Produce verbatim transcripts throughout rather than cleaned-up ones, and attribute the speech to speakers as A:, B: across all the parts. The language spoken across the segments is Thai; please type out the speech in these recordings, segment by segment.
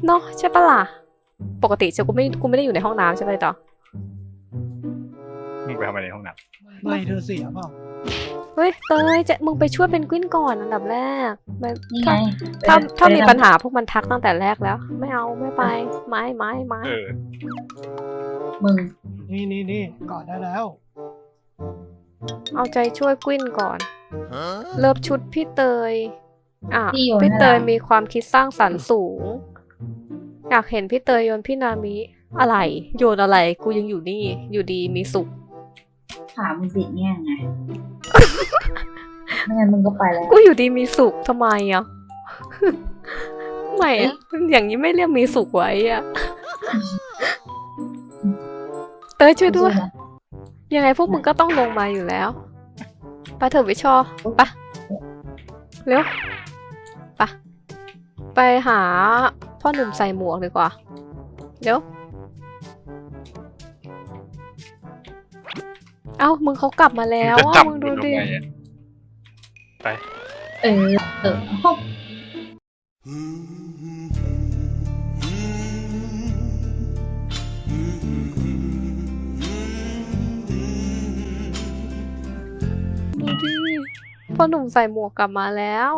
A: เนาะใช่ปะล่ะปกติจะกูไม่กูไม่ได้อยู่ในห้องน้ำใช่ไหมต่อ
B: มึงไปทำอะไรในห้องน้
C: ำไม่เธอเสียเปล่า
A: เฮ้ยเตยจะมึงไปช่วยเป็นกวินก่อนอันดับแรก
D: นี่ไง
A: ถ้าถ้ามีปัญหาพวกมันทักตั้งแต่แรกแล้วไม่เอาไม่ไปไม้ไม้ไม้
B: เออ
D: มึง
C: นี่นี่นี่กอดได้แล้ว
A: เอาใจช่วยกวินก่อนเลิฟชุดพี่เตยอ่ะ
D: พี่โยน
A: พี่
D: ให้
A: เตย
D: เรา
A: มีความคิดสร้างสรรค์สูงอยากเห็นพี่เตยโยนพี่นามิอะไรโยนอะไรกูยังอยู่นี่อยู่ดีมีสุข
D: ถามมึงติดเนี่ยไง ไม่งั้นมึงก็ไปแล้ว
A: กูอยู่ดีมีสุขทำไมอ่ะ ไม่อะอย่างนี้ไม่เรียกมีสุขไว้อ่ะ เตยช่วยด้วย ยังไงพวกมึงก็ต้องลงมาอยู่แล้วไปเถอะวิชอไปเร็วไปไปหาพ่อหนุ่มใส่หมวกดีกว่าเร็วเอ้ามึงเขากลับมาแล้ว
B: จะ
A: อ่ะ
B: จับ
A: มึง
B: กู
A: ดู
B: ลง
A: ดิ
B: ไงอะไป
D: เออ เออห้อง
A: ดูดิพ่อหนุ่มใส่หมวกกลับมาแล้ว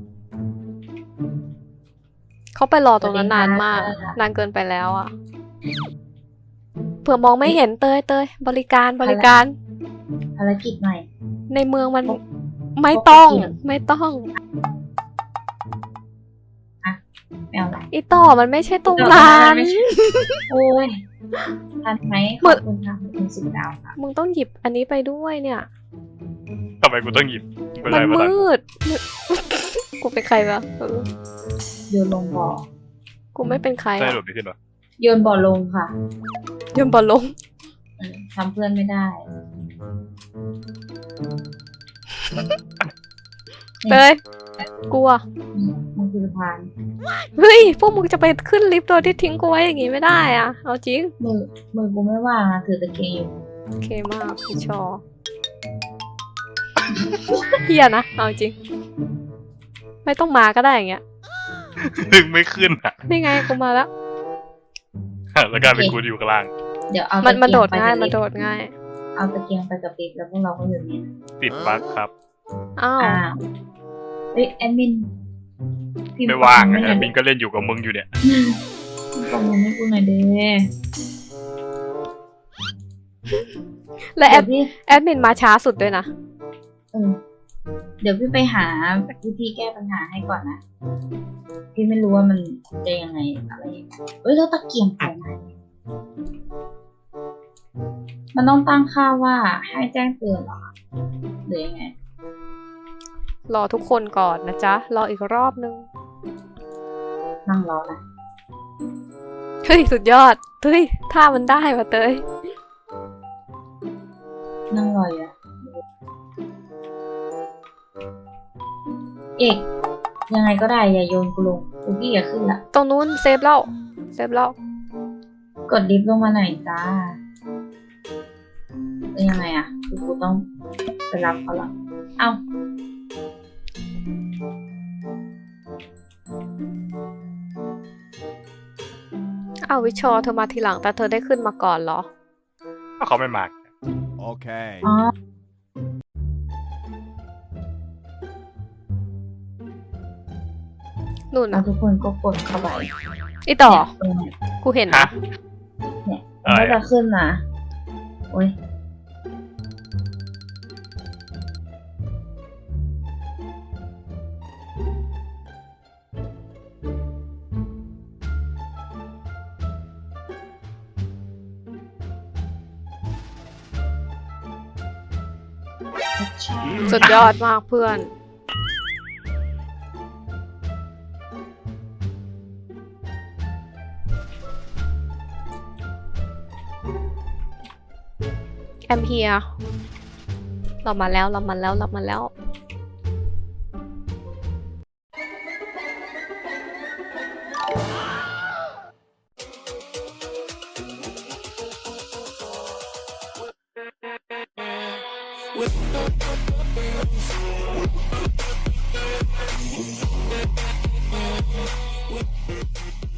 A: เขาไปรอตรงนั้นนานมากนานเกินไปแล้วอ่ะเผื่อมองไม่เห็นเตยเตยบริการบริการ
D: ภารกิจใหม่
A: ในเมืองมันไม่ต้องไม่ต้อง
D: ไม่เอาละ
A: อีต่อมันไม่ใช่ตรงนั้น
D: โอ้ยทันไหมขอบคุณค่ะขอบคุณสิบดาวค่ะ
A: มึงต้องหยิบอันนี้ไปด้วยเนี่ย
B: ทำไมกูต้องหยิบเป็น
A: มั
B: ไร
A: น
B: วะ
A: มืด กูเป็นใครวะเออ
D: โยนลงบ่อ
A: กูไม่เป็นใคร
B: ได้
A: อะ
B: หลบไม่ขึ้นหรอ
D: โยนบ่อลงค่ะ
A: โยนบอลลง
D: เออทำเพื่อนไม่ได้
A: เตยกลัว
D: อืมมันคือสะพาน
A: เฮ้ยพวกมึงจะไปขึ้นลิฟต์โดยที่ทิ้งกูไว้อย่างงี้ไม่ได้อะเอาจริง
D: มือมือกูไม่ว่างอะถือตะเกียงอยู่
A: โอเคมากพี่ชอเฮียนะเอาจริง ไม่ต้องมาก็ได้อย่างเงี้ย
B: ดึงไม่ขึ้นอ่ะ
A: นี่ไงกูมาแล้ว
B: แล้วกลายเป็นกูอยู่ข้างล่าง
D: เดี๋ยวเอา
A: มัน
D: ตะ
A: มัน
D: เกี
A: โด
D: ยง
A: ด
D: ไป
A: ง่าย
D: กับ
A: มัน
D: ลิฟ
A: โด
D: ต์
A: ดง่าย
D: เอาตะเกียงไปกับลิฟต์แล้วพวกเราก็อยู่เนี่ย
B: ติดบั๊กครับ
A: อ้าว
D: อ้าวเฮ้ยแอดมินพิพ์
B: ไม่ว่าง
D: คอมเมนต์
B: ไง
D: ให้หน่อย
B: มินก็เล่นอยู่กับมึงอยู่เนี่ย
D: พิมพ์คอมเมนต์ให้กูหน่อยเด้
A: และแอ
D: เดี๋ย
A: ด
D: วพี่
A: แอดมินมาช้าสุดด้วยนะ
D: เออเดี๋ยวพี่ไปหาวิธีแก้ปัญหาให้ก่อนนะ พี่ไม่รู้ว่ามันจะยังไงอะไรยังไงเอ้ยแล้วตะเกียงไปไหนมันต้องตั้งค่าว่าให้แจ้งเตือนเหรอคะหรือยังไง
A: รอทุกคนก่อนนะจ๊ะ รออีกรอบนึง
D: นั่งรอนะ
A: เฮ้ย สุดยอด เฮ้ยท่ามันได้ว่ะเตย
D: นั่งรออยู่อะเอกยังไงก็ได้อย่าโยนกูลงกูพี่อย่าขึ้นละ
A: ตรงนู้นเซฟแล้ว เซฟแล้ว
D: กดลิฟต์ลงมาหน่อยจ้าเป็นยังไงอะคือกูต้องไปรับเขาละเอ้า
A: อ้าววิชอเธอมาทีหลังแต่เธอได้ขึ้นมาก่อนเหรอ
B: ถ้าเขาไม่มา
E: Okay.
D: อ๋อ
A: นู่น
D: แล้ว
A: นะ
D: ทุกคนก็กดเข้าไป
A: อีต่อ
D: เนี่ย
A: กูเห็น
B: ฮะ
A: นะ
D: เนี่ย
B: อะไร
D: ไม่
B: อะ
D: จะขึ้นนะโอ้ย
A: สุดยอดมากเพื่อน แอมเฮียเรามาแล้ว เรามาแล้ว เรามาแล้ว
E: With